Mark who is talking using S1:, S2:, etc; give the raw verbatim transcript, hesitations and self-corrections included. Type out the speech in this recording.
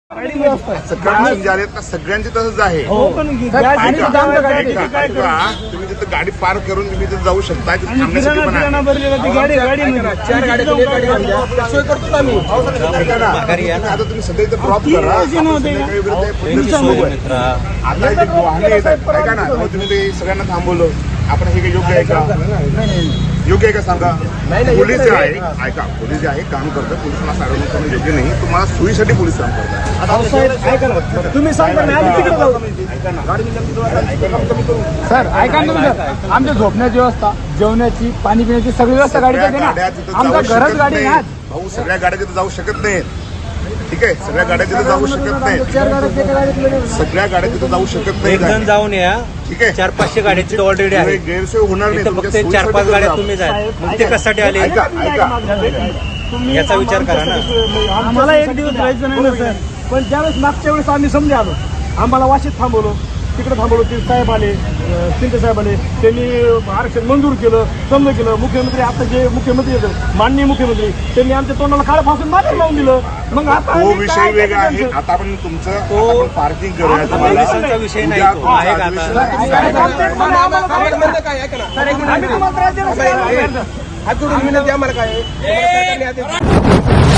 S1: सगळ्यांचे जे आलेत ना सगळ्यांचे तसंच आहे. तुम्ही तिथं गाडी पार्क करून तुम्ही तिथे जाऊ शकता. थांबण्यासाठी पण आहे. आता तुम्ही सध्या इथे ड्रॉप करा. आता इथे वाहने येत आहेत ऐका ना. तुम्ही ते सगळ्यांना थांबवलं. आपण हे काही योग्य आहे का? योग्य आहे का सांगा. पोलीस जे आहे ऐका पोलीस जे आहे काम करतात. पोलिसांना साडवणूक करणं योग्य नाही. तुम्हाला सोयीसाठी पोलीस काम करतात.
S2: तुम्ही सांगा सर ऐका ना सर आमच्या झोपण्याची व्यवस्था जेवणाची पाणी पिण्याची सगळी व्यवस्था गाडीत आहे ना. आमच्या घरच गाडी आहे.
S1: भाऊ सगळ्या गाड्या तिथे जाऊ शकत नाहीत. ठीक आहे सगळ्या गाड्या तिथे जाऊ शकत नाही. सगळ्या गाड्या तिथे जाऊ शकत नाही.
S3: एक जण जाऊन या.
S1: ठीक आहे
S3: चार पाचशे गाड्या तिथे ऑलरेडी आहे.
S1: गैरसोय होणार नाही.
S3: फक्त चार पाच गाड्या तुम्ही जा. मग ते कशासाठी आले
S1: ऐका ऐका
S3: याचा विचार करा ना.
S2: आम्हाला एक दिवस राहायचं नाही ना सर. पण ज्यावेळेस मागच्या वेळेस आम्ही समजे आलो आम्हाला वाशीत थांबवलो. तिकडे थांबवलो. ते साहेब आले शिंदे साहेब आले. त्यांनी आरक्षण मंजूर केलं समज केलं. मुख्यमंत्री आता जे मुख्यमंत्री आहेत माननीय मुख्यमंत्री त्यांनी आमच्या तोंडाला काळ फासून मागे लावून दिलं. मग आता
S1: तो विषय वेगळा आहे. आता आपण तुमचं पार्किंग करूया. तुम्हाला
S3: विषय नाही तो आहे का आता.
S2: हात जोडून विनंती आम्हाला काय